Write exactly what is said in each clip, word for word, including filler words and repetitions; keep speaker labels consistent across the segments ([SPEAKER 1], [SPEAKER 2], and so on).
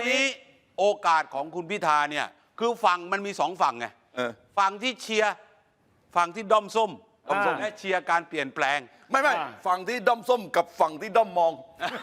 [SPEAKER 1] นี้โอกาสของคุณพิธาเนี่ยคือฝั่งมันมีสองฝั่งไงฝั่งที่เชียร์ฝั่งที่ด้อมส้มและเชียร์การเปลี่ยนแปลง
[SPEAKER 2] ไม่ไม่ฝั่งที่ด้อมส้มกับฝั่งที่ด้อมมอง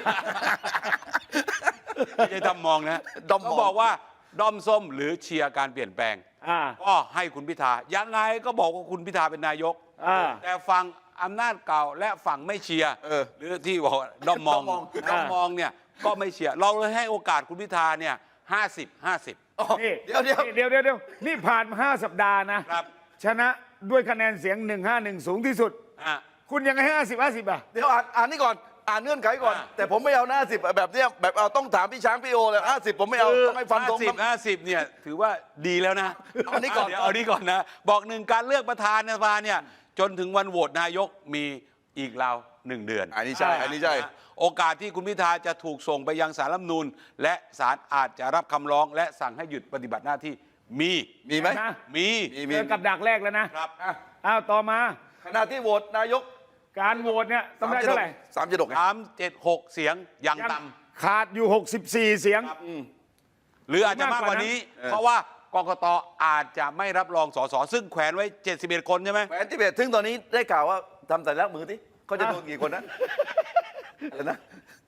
[SPEAKER 1] ไม่ใช่ด้อมมองนะด้อมบอกว่าด้อมส้มหรือเชียร์การเปลี่ยนแปลงก็ให้คุณพิธายังไงก็บอกว่าคุณพิธาเป็นนายกแต่ฝั่งอำนาจเก่าและฝั่งไม่เชียร์หรือที่บอกด้อมมองด้อมมองเนี่ยก็ไม่เชียร์เราเลยให้โอกาสคุณพิธาเนี่ยห้าสิบห้าสิบ
[SPEAKER 3] เดี๋ยวเดี๋ยวเดี๋ยวเดี๋ยวนี่ผ่านมาห้าสัปดาห์นะชนะด้วยคะแนนเสียงหนึ่งห้าหนึ่งสูงที่สุดคุณยังไงห้าสิบห้าสิบอ่ะ
[SPEAKER 2] เดี๋ยวอ่านอ่านนี่ก่อนอ่านเงื่อนไขก่อนแต่ผมไม่เอาห้าสิบแบบเนี้ยแบบเอาต้องถามพี่ช้างพี่โอเลยห้าสิบผมไม่เอาต้องให้ฟันธง
[SPEAKER 1] ห้าสิบห้าสิบเนี่ยถือว่าดีแล้วนะ
[SPEAKER 2] เอานี้ก่อน
[SPEAKER 1] เอานี้ก่อนนะบอกหนึ่งการเลือกประธานสภาเนี่ยจนถึงวันโหวตนายกมีอีกราวหนึ่งเดือน
[SPEAKER 2] อันนี้ใช่อันนี้ใช่
[SPEAKER 1] โอกาสที่คุณพิธาจะถูกส่งไปยังศาลรัฐธรรมนูญและศาลอาจจะรับคำร้องและสั่งให้หยุดปฏิบัติหน้าที่มี
[SPEAKER 2] มีไหม
[SPEAKER 1] มี
[SPEAKER 3] มีกับดักแรกแล้วนะครับอ้าวต่อมา
[SPEAKER 2] ขณะที่โหวตนายก
[SPEAKER 3] การโหวตเนี่ยต้องได้เท่าไหร่
[SPEAKER 2] สามเจ็ดหก
[SPEAKER 1] สามเจ็ดหกเสียงยังต่
[SPEAKER 3] ำขาดอยู่หกสิบสี่เสียง
[SPEAKER 1] หรืออาจจะมากกว่านี้เพราะว่ากกต.อาจจะไม่รับรองสสซึ่งแขวนไว้เจ็ดสิบเอ็ดคนใช่ไหม
[SPEAKER 2] แขวนที่เบ็ดซึ่งตอนนี้ได้ข่าวว่าทำสัญลักษณ์มือที่เขาจะโดนกี่คนนะอะไรนะ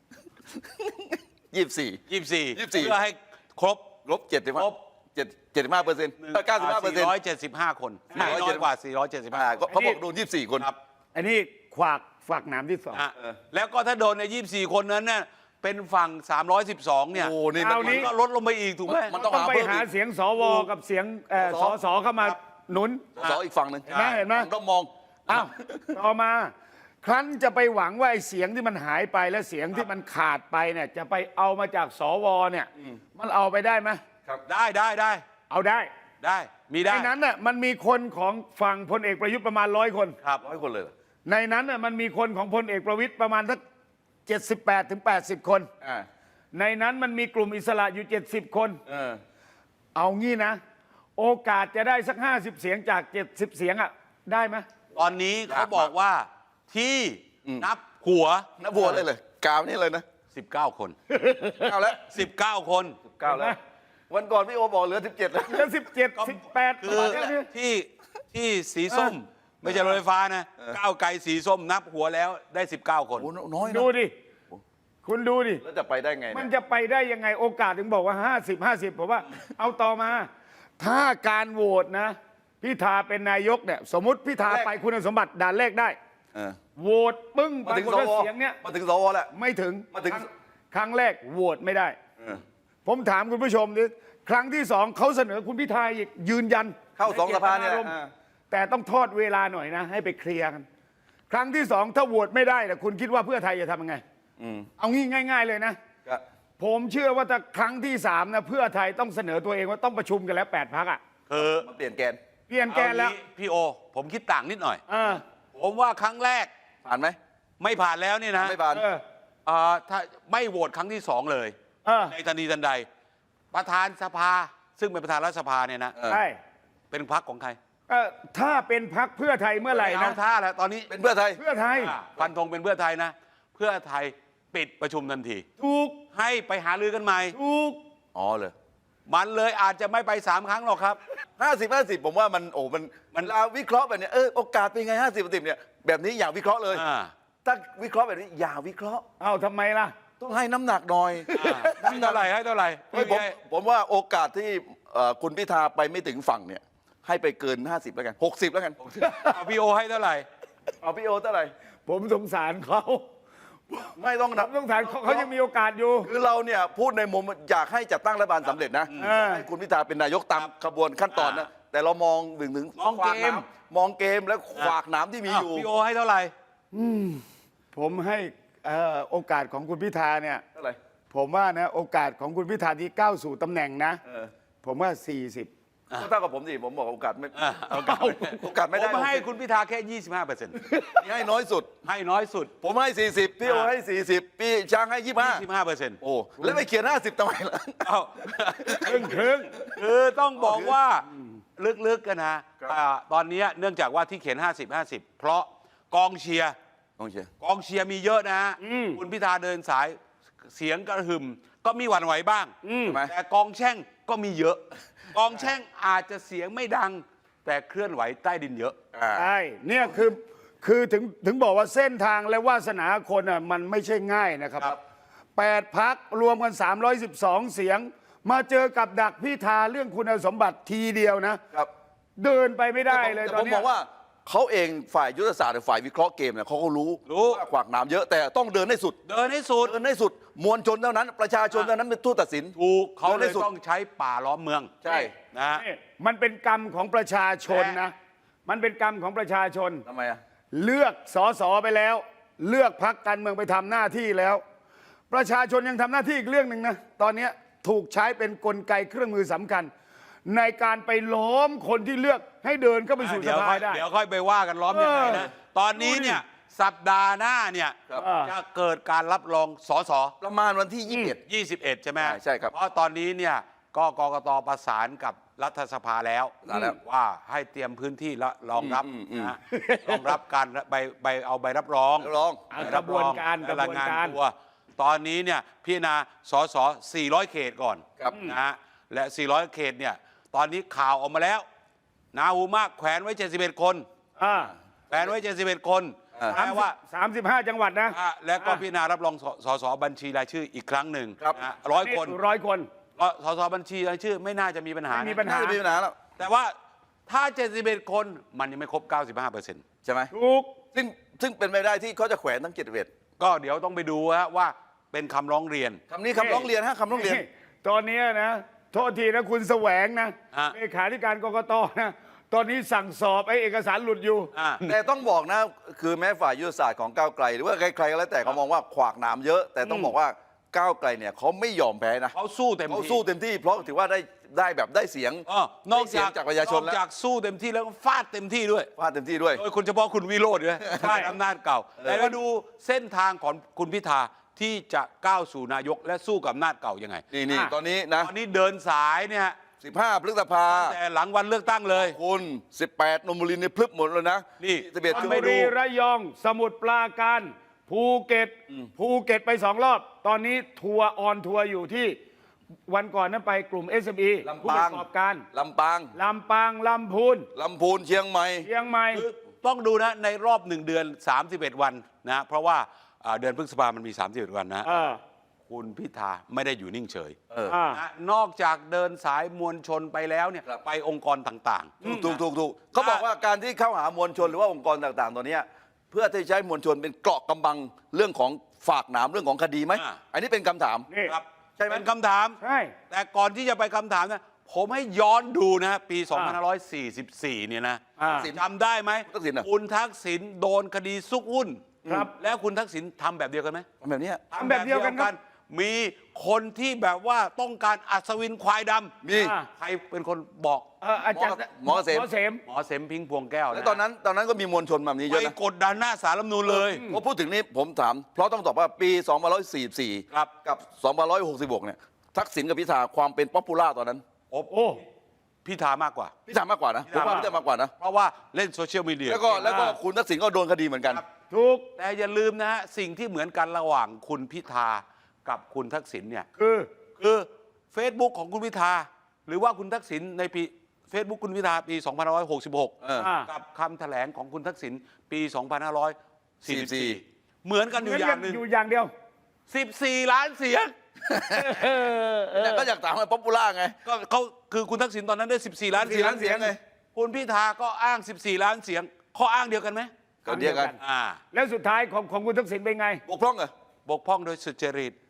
[SPEAKER 2] ยี่สิบสี่
[SPEAKER 1] ยี่สิบสี่เพื่อให้ครบ
[SPEAKER 2] ลบเจ็ดสิบห้าเจ็ดเจ็ดสิบห้าเปอร์เซ็นต์เก้าสิบห้าเปอร์เซ็นต์
[SPEAKER 1] สี่ร้อยเจ็ดสิบห้าคนน้อยกว่าสี่ร้อยเจ็ดสิบห้า
[SPEAKER 2] เขาบอกโดนยี่สิบสี่คน
[SPEAKER 3] ครับอันนี้ขวากฝากหนามที่สอง
[SPEAKER 1] แล้วก็ถ้าโดนในยี่สิบสี่คนนั้นเนี่ยเป็นฝั่งสามร้อยสิบสองเนี่ย
[SPEAKER 2] โอ้นี่
[SPEAKER 1] มันก็ลดลงไปอีกถูกไหม
[SPEAKER 3] มันต้องไปหาเสียงสวกับเสียงสสเข้ามาหนุน
[SPEAKER 2] สอีกฝั่งหนึ่ง
[SPEAKER 3] เห็นไหมเห็นไหม
[SPEAKER 2] ต้องมอง
[SPEAKER 3] อ้าวต่อมาครั้นจะไปหวังว่าไอ้เสียงที่มันหายไปและเสียงที่มันขาดไปเนี่ยจะไปเอามาจากสวเนี่ยมันเอาไปได้ไหม
[SPEAKER 1] ครับได้ได้ได้
[SPEAKER 3] เอาได้
[SPEAKER 1] ได้มีได้
[SPEAKER 3] ในนั้นน่ะมันมีคนของฝั่งพลเอกประยุทธ์ประมาณร้อยคน
[SPEAKER 1] ครับ
[SPEAKER 2] ร้อยคนเลย
[SPEAKER 3] ในนั้นน่ะมันมีคนของพลเอกประวิตรประมาณสักเจ็ดสิบแปดถึงแปดสิบคนในนั้นมันมีกลุ่มอิสระอยู่เจ็ดสิบคนเอางี้นะโอกาสจะได้สักห้าสิบเสียงจากเจ็ดสิบเสียงอ่ะได้ไหม
[SPEAKER 1] ตอนนี้เขาบอกว่าที่นับหัว
[SPEAKER 2] นับหัวเลยเลยกาวนี่เลยนะ
[SPEAKER 1] สิบเก้าคน
[SPEAKER 2] เอาแล้ว
[SPEAKER 1] สิบเก้าคน
[SPEAKER 2] สิบเก้าแล้ววันก่อนพี่โอบอกเหลือสิบเจ็ดแล้ว
[SPEAKER 3] เหลือสิบเจ็ดสิบแปด
[SPEAKER 1] คือที่ที่สีส้มไม่ใช่รถไฟฟ้านะก้าวไกลสีส้มนับหัวแล้วได้สิบเก้าคน
[SPEAKER 2] น้อย
[SPEAKER 3] ดูดิคุณดูดิ
[SPEAKER 2] แล้วจะไปได้ไง
[SPEAKER 3] มันจะไปได้ยังไงโอกาสถึงบอกว่าห้าสิบ ห้าสิบผมว่าเอาต่อมาถ้าการโหวตนะพิธาเป็นนายกเนี่ยสมมุติพิธาไปคุณสมบัติด่านแรกได้โหวตปึ้ง
[SPEAKER 2] มาถึงสวเสียงเนี้ยมาถึงสวแหละ
[SPEAKER 3] ไม่ถึง
[SPEAKER 2] มาถึง
[SPEAKER 3] ครั้งแรกโหวตไม่ได้ผมถามคุณผู้ชมดิครั้งที่สองเขาเสนอคุณพิธาอีกยืนยัน
[SPEAKER 2] เข้าสองสภาเนี่ย
[SPEAKER 3] แต่ต้องทอดเวลาหน่อยนะให้ไปเคลียร์กันครั้งที่สองถ้าโหวตไม่ได้แต่คุณคิดว่าเพื่อไทยจะทำยังไงเอางี้ง่ายๆเลยนะผมเชื่อว่าถ้าครั้งที่สามนะเพื่อไทยต้องเสนอตัวเองว่าต้องประชุมกันแล้วแปดพรรคอ่ะ
[SPEAKER 1] คือ
[SPEAKER 2] มาเปลี่ยนแกน
[SPEAKER 3] เปลี่ยนแกนแล้ว
[SPEAKER 1] พี่โอผมคิดต่างนิดหน่อย
[SPEAKER 3] อ
[SPEAKER 1] ผมว่าครั้งแรก
[SPEAKER 2] ผ่านไหม
[SPEAKER 1] ไม่ผ่านแล้วนี่นะ
[SPEAKER 2] ไม่ผ่าน
[SPEAKER 1] ถ้าไม่โหวตครั้งที่สองเลยในทันทีทันใดประธานสภาซึ่งเป็นประธานรัฐสภาเนี่ยนะ
[SPEAKER 3] ใช่
[SPEAKER 1] เป็นพรรคของใคร
[SPEAKER 3] ถ้าเป็นพรรคเพื่อไทยเมื่อไหร่นะ
[SPEAKER 1] ท่าแล้วตอนนี้
[SPEAKER 2] เป็นเพื่อไทย
[SPEAKER 3] เพื่อไทย
[SPEAKER 1] ฟันธงเป็นเพื่อไทยนะเพื่อไทยปิดประชุมทันที
[SPEAKER 3] ถูก
[SPEAKER 1] ให้ไปหารือกันใหม่
[SPEAKER 3] ถูก
[SPEAKER 2] อ๋อเลย
[SPEAKER 1] มันเลยอาจจะไม่ไปสามครั้งหรอกครับ
[SPEAKER 2] ห้าสิบห้าสิบผมว่ามันโอ้มันมันเราวิเคราะห์แบบนี้เออโอกาสเป็นไงห้าสิบสิบเนี่ยแบบนี้อย่าวิเคราะห์เลยถ้าวิเคราะห์แบบนี้อย่าวิเคราะห์
[SPEAKER 3] เอ้าทำไมล่ะ
[SPEAKER 2] ต้องให้น้ำหนักหน่อย
[SPEAKER 1] น้ำหนักเท่าไหร่ให้เท่าไหร่
[SPEAKER 2] ผมผมว่าโอกาสที่คุณพิธาไปไม่ถึงฝั่งเนี่ยให้ไปเกินห้าสิบแล้วกันหกสิบแล้วกัน
[SPEAKER 1] เอาพี่โอให้เท่าไหร่
[SPEAKER 2] เอาพี่โอเท่าไหร่
[SPEAKER 3] ผมสงสารเขา
[SPEAKER 2] ไม่ต้องนับ
[SPEAKER 3] สงสารเขาเขายังมีโอกาสอยู่
[SPEAKER 2] คือเราเนี่ยพูดในมุมอยากให้จัดตั้งรัฐบาลสำเร็จนะให้คุณพิธาเป็นนายกตามขบวนขั้นตอนนะแต่เรามองถึงถึง
[SPEAKER 1] มองเกม
[SPEAKER 2] มองเกมและขวากหนามที่มีอยู่
[SPEAKER 1] พี่โอให้เท่าไหร่
[SPEAKER 3] ผมให้โอกาสของคุณพิธาเนี่ย
[SPEAKER 2] เท่าไหร่
[SPEAKER 3] ผมว่านะโอกาสของคุณพิธาที่ก้าวสู่ตำแหน่งนะผมว่าสี่สิบ
[SPEAKER 2] ก็เท่ากับผมสิผมบอกโอกาสไม่โอกาสโอกาสไม่ได้
[SPEAKER 1] ผมให้คุณพิธาแค่ยี่สิบห้าเปอร์เซ็นต์
[SPEAKER 2] นี่ให้น้อยสุด
[SPEAKER 1] ให้น้อยสุด
[SPEAKER 2] ผมให้สี่สิบพี่โอให้สี่สิบพี่ช้างให้ยี่สิบห้า
[SPEAKER 1] ยี่สิบห้าเปอร์เซ็นต์
[SPEAKER 2] โอ้แล้วไม่เขียนห้าสิบทำไมล่ะ
[SPEAKER 1] เอ้า
[SPEAKER 3] ครึ่งครึ่ง
[SPEAKER 1] คือต้องบอกว่าลึกๆกันนะตอนนี้เนื่องจากว่าที่เขียนห้าสิบ ห้าสิบเพราะกองเชียร์
[SPEAKER 2] กองเชียร์
[SPEAKER 1] กองเชียร์มีเยอะนะคุณพิธาเดินสายเสียงกระหึ่มก็มีหวั่นไหวบ้าง
[SPEAKER 2] ใช่ไหม
[SPEAKER 1] แต่กองแช่งก็มีเยอะ กองแช่งอาจจะเสียงไม่ดัง แต่เคลื่อนไหวใต้ดินเยอะ
[SPEAKER 2] อ่า
[SPEAKER 3] ใช่เนี่ยคือคือถึงถึงบอกว่าเส้นทางและวาสนาคนอ่ะมันไม่ใช่ง่ายนะครับ
[SPEAKER 2] ครับ
[SPEAKER 3] แปดพักรวมกันสามร้อยสิบสองเสียง มาเจอกับดักพิธาเรื่องคุณสมบัติทีเดียวนะ
[SPEAKER 2] ครับ
[SPEAKER 3] เดินไปไม่ได้เลย
[SPEAKER 2] แต่
[SPEAKER 3] ตอ
[SPEAKER 2] ผ
[SPEAKER 3] น
[SPEAKER 2] ม
[SPEAKER 3] เนี้
[SPEAKER 2] ม
[SPEAKER 3] ย
[SPEAKER 2] องว่าเขาเองฝ่ายยุทธศาสตร์หรือฝ่ายวิเคราะห์เกมเนี่ยเขาก็รู้
[SPEAKER 1] รู้
[SPEAKER 2] ว่าขวากหนามเยอะแต่ต้องเดินให้สุด
[SPEAKER 1] เดินให้สุด
[SPEAKER 2] เดินให้สุดมวลชนเท่านั้น ประชาชนเท่านั้นเป็นผู้ตัดสิน
[SPEAKER 1] ถูกเขา
[SPEAKER 2] เดิน
[SPEAKER 1] เล
[SPEAKER 2] ให้
[SPEAKER 1] ย
[SPEAKER 2] สุด
[SPEAKER 1] ต้องใช้ป่าล้อมเมือง
[SPEAKER 2] ใช่
[SPEAKER 1] นะฮะ
[SPEAKER 3] นี่มันเป็นกรรมของประชาชนนะ มันเป็นกรรมของประชาชน
[SPEAKER 2] ทำไมอ่ะ
[SPEAKER 3] เลือกสอสอไปแล้ว เลือกพักการเมืองไปทำหน้าที่แล้ว ประชาชนยังทำหน้าที่อีกเรื่องหนึ่งนะตอนเนี้ยถูกใช้เป็นกลไกเครื่องมือสำคัญ ในการไปล้อมคนที่เลือกให้เดินเข้าไปสู่ส
[SPEAKER 1] เดี๋ยว
[SPEAKER 3] ภา
[SPEAKER 1] ค่อย
[SPEAKER 3] ได้
[SPEAKER 1] เดี๋ยวค่อยไปว่ากันล้อมยังไงนะ
[SPEAKER 3] เออ
[SPEAKER 1] ตอนนี้เนี่ยสัปดาห์หน้าเนี่ย
[SPEAKER 2] ครับ
[SPEAKER 1] จะเกิดการรับรองสส
[SPEAKER 2] ประมาณวันที่ยี่สิบเอ็ด
[SPEAKER 1] ยี่สิบเอ็ดใช่ไหม
[SPEAKER 2] ใช่ใช่ครับ
[SPEAKER 1] เพราะตอนนี้เนี่ยก็กกตประสานกับรัฐสภาแล้ว
[SPEAKER 2] ประสานแล้ว
[SPEAKER 1] ว่าให้เตรียมพื้นที่และรองรับ
[SPEAKER 2] อืมอืม
[SPEAKER 1] นะฮะรองรับการใบใบเอาใบรับรอง
[SPEAKER 2] รับรอง
[SPEAKER 3] อ่ะ
[SPEAKER 1] ใบ
[SPEAKER 3] กระบวนการ
[SPEAKER 1] และ
[SPEAKER 3] กระบวนการ
[SPEAKER 1] ยงตัวตอนนี้เนี่ยพิจารณาสสสี่ร้อยเขตก่อน
[SPEAKER 2] ครับ
[SPEAKER 1] นะฮะและสี่ร้อยเขตเนี่ยตอนนี้ข่าวออกมาแล้วนาหูมากแขวนไว้เจ็ดสิบเอ็ดคน
[SPEAKER 3] อ่า
[SPEAKER 1] แขวนไว้เจ็ดสิบเอ็ดคน
[SPEAKER 2] อ่า
[SPEAKER 1] แปลว่า
[SPEAKER 3] สามสิบห้าจังหวัดนะ
[SPEAKER 1] อ่ะและก็พิจารณารับรองสสสบัญชีรายชื่ออีกครั้งหนึ่ง
[SPEAKER 2] ครับ
[SPEAKER 1] นะร้อยคน
[SPEAKER 3] ร้อยคน
[SPEAKER 1] สสบัญชีรายชื่อไม่น่าจะมีปัญหา
[SPEAKER 3] ไม่มี
[SPEAKER 1] นะ
[SPEAKER 3] ปัญห
[SPEAKER 2] น่าจะมีปัญหาแล้ว
[SPEAKER 1] แต่ว่าถ้าเจ็ดสิบเอ็ดคนมันยังไม่ครบ เก้าสิบห้าเปอร์เซ็นต์
[SPEAKER 2] ใช่ไหม
[SPEAKER 3] ถูก
[SPEAKER 2] ซึ่งซึ่งเป็นไปได้ที่เขาจะแขวนทั้งเจ็ดสิบเอ็ด
[SPEAKER 1] ก็เดี๋ยวต้องไปดูฮะว่าเป็นคำร้องเรียน
[SPEAKER 2] คำนี้คำร้องเรียนฮะคำร้องเรียน
[SPEAKER 3] ตอนเนี้ยนะ โทษทีนะคุณแสวงนะ
[SPEAKER 1] ฮะ
[SPEAKER 3] เลขาธิการกกตนะ ตอนนี้สั่งสอบไอ้เอกสารหลุดอยู่
[SPEAKER 1] อ่ะ
[SPEAKER 2] แต่ต้องบอกนะ คือแม้ฝ่ายยุทธศาสตร์ของก้าวไกล หรือว่าใครๆก็แล้วแต่เขามองว่าขวากหนามเยอะ แต่ต้องบอกว่าก้าวไกลเนี่ยเขาไม่ยอมแพ้นะ
[SPEAKER 1] เขาสู้เต็ม
[SPEAKER 2] เขา
[SPEAKER 1] ที่
[SPEAKER 2] สู้เต็มที่เพราะถือว่าได้ได้แบบได้เสียง
[SPEAKER 1] เออนอก
[SPEAKER 2] ได้เสีย
[SPEAKER 1] จาง ก
[SPEAKER 2] จากประชาชน
[SPEAKER 1] น
[SPEAKER 2] แล้
[SPEAKER 1] อก
[SPEAKER 2] ว
[SPEAKER 1] จากสู้เต็มที่แล้วก็ฟาดเต็มที่ด้วย
[SPEAKER 2] ฟาดเต็มที่ด้วย
[SPEAKER 1] โดยคุณเฉพาะคุณวิโรจน์ด้วยใช่อำนาจเก่าแต่มาดูเส้นทางของคุณพิธาที่จะก้าวสู่นายกและสู้กับอำนาจเก่ายังไง
[SPEAKER 2] นี่นี่
[SPEAKER 3] อ่ะ
[SPEAKER 2] ตอนนี้นะ
[SPEAKER 1] ตอนนี้เดินสายเนี่ย
[SPEAKER 2] สิบห้าพฤษภา
[SPEAKER 1] แต่หลังวันเลือกตั้งเลย
[SPEAKER 2] คุณสิบแปดนนบุรีนี่พลึบหมดเลยนะ
[SPEAKER 1] นี่
[SPEAKER 2] สิบเอ็ด
[SPEAKER 3] ช
[SPEAKER 2] ช
[SPEAKER 3] ล
[SPEAKER 2] ล
[SPEAKER 3] บุ
[SPEAKER 2] บุ
[SPEAKER 3] รี
[SPEAKER 2] รี
[SPEAKER 3] ระยอง สมุทรปราการ ภูเก็ต ภูเก็ตไปสองรอบ ตอนนี้ทัวร์ออนทัวร์อยู่ที่วันก่อนนั้นไปกลุ่ม เอส เอ็ม อี
[SPEAKER 2] ลำ
[SPEAKER 3] ผู้
[SPEAKER 2] ปา
[SPEAKER 3] ป
[SPEAKER 2] ง
[SPEAKER 3] ระกอบการ
[SPEAKER 2] ลำปาง
[SPEAKER 3] ลำปาง ลำพูน
[SPEAKER 2] ลำพูนเชียงใหม่
[SPEAKER 3] เชียงใหม่
[SPEAKER 1] คือต้องดูนะในรอบหนึ่งเดือนสามสิบเอ็ดวันนะเพราะว่าอ่าเดือนพฤษภามันมีสามสิบเอ็ดวันนะ
[SPEAKER 3] เออ
[SPEAKER 1] คุณพิธาไม่ได้อยู่นิ่งเฉย
[SPEAKER 2] เออ
[SPEAKER 3] อ่า
[SPEAKER 1] นะนอกจากเดินสายมวลชนไปแล้วเนี่ย
[SPEAKER 2] ครับ
[SPEAKER 1] ไปองค์กรต่าง
[SPEAKER 2] ถูกถูกถูกถูกเขาบอกว่าการที่เข้าหามวลชนหรือว่าองค์กรต่างๆ ตัวเนี้ยเพื่อที่ใช้มวลชนเป็นเกราะกำบังเรื่องของฝากหนามเรื่องของคดีไหม
[SPEAKER 1] อ่า
[SPEAKER 2] อันนี้เป็นคำถาม
[SPEAKER 3] นี่
[SPEAKER 1] ๆครับ
[SPEAKER 2] ใช่ไหม
[SPEAKER 1] เป็นคำถาม
[SPEAKER 3] ใช่
[SPEAKER 1] แต่ก่อนที่จะไปคำถามนะผมให้ย้อนดูนะปี
[SPEAKER 3] อ่า
[SPEAKER 1] สองพันห้าร้อยสี่สิบสี่ เนี่ยนะ
[SPEAKER 3] อ่า
[SPEAKER 1] จำได้ไหม
[SPEAKER 2] ทักษิณอะ
[SPEAKER 1] คุณทักษิณโดนคดีซุกหุ้น
[SPEAKER 3] ครับ
[SPEAKER 1] แล้วคุณทักษิณทำแบบเดียวกันไหม
[SPEAKER 2] แบบเนี้ย
[SPEAKER 3] ทำแบบเดียวกันครับ
[SPEAKER 1] มีคนที่แบบว่าต้องการอัศวินควายดำ
[SPEAKER 2] มี
[SPEAKER 3] อ่า
[SPEAKER 1] ใครเป็นคนบอก
[SPEAKER 3] เอออาจารย์
[SPEAKER 2] หมอเกษม
[SPEAKER 3] หมอเสม
[SPEAKER 1] หมอเสมพิงพวงแก้วะ
[SPEAKER 2] แล้วตอนนั้นตอนนั้นก็มีมวลชนแบบนี้เย
[SPEAKER 1] ไป
[SPEAKER 2] อะนะ
[SPEAKER 1] กดดันหน้าสารรัฐธรรมนูญเลย
[SPEAKER 2] พอพูดถึงนี้ผมถาม เพราะต้องตอบว่าปีสองพันห้าร้อยสี่สิบสี่
[SPEAKER 1] ครับ
[SPEAKER 2] กับสองพันห้าร้อยหกสิบหกเนี่ยทักษิณกับพิธาความเป็นป๊อปปูล่าตอนนั้น
[SPEAKER 1] โอ้
[SPEAKER 3] โอ้
[SPEAKER 1] พิธามากกว่า
[SPEAKER 2] พิธามากกว่านะผมว่าพิธามากกว่านะ
[SPEAKER 1] เพราะว่าเล่นโซเชียลมีเดีย
[SPEAKER 2] แล้วก็แล้วก็
[SPEAKER 3] อ่า
[SPEAKER 2] คุณทักษิณก็โดนคดีเหมือนกัน
[SPEAKER 3] ถูก
[SPEAKER 1] แต่อย่าลืมนะฮะสิ่งที่เหมือนกันระหว่างคุณพิธากับคุณทักษิณเนี่ย
[SPEAKER 3] คือ
[SPEAKER 1] คือ Facebook ของคุณพิธาหรือว่าคุณทักษิณในปี Facebook คุณพิธาปี สองพันห้าร้อยหกสิบหก
[SPEAKER 2] เออ
[SPEAKER 3] อ่า
[SPEAKER 1] กับคำแถลงของคุณทักษิณปี สองพันห้าร้อยสี่สิบสี่
[SPEAKER 2] สี่
[SPEAKER 1] เหมือนกันอ
[SPEAKER 3] เหมื
[SPEAKER 1] ยู่
[SPEAKER 3] อน
[SPEAKER 1] อ
[SPEAKER 3] กั
[SPEAKER 1] ย่าน งหนึ่ง
[SPEAKER 3] อยู่อย่างเดียว
[SPEAKER 1] สิบสี่ ล้านเสียง
[SPEAKER 3] เออเออ
[SPEAKER 2] แต่ก็อยากถามว่าป๊อปปูล่าไง
[SPEAKER 1] ก็เขาคือคุณทักษิณตอนนั้นได้ สิบสี่ ล้านเสียง
[SPEAKER 2] สิบสี่ล้านเสียงไง
[SPEAKER 1] คุณพิธาก็อ้าง สิบสี่ ล้านเสียง ข้ออ้างเดียวกันไหม
[SPEAKER 2] ก็เดียวกัน
[SPEAKER 1] อ่า
[SPEAKER 3] แล้วสุดท้ายของของคุณทักษิณเป็นไง
[SPEAKER 2] บกพร่องเหรอ
[SPEAKER 1] บกพร่องโดยสุจริต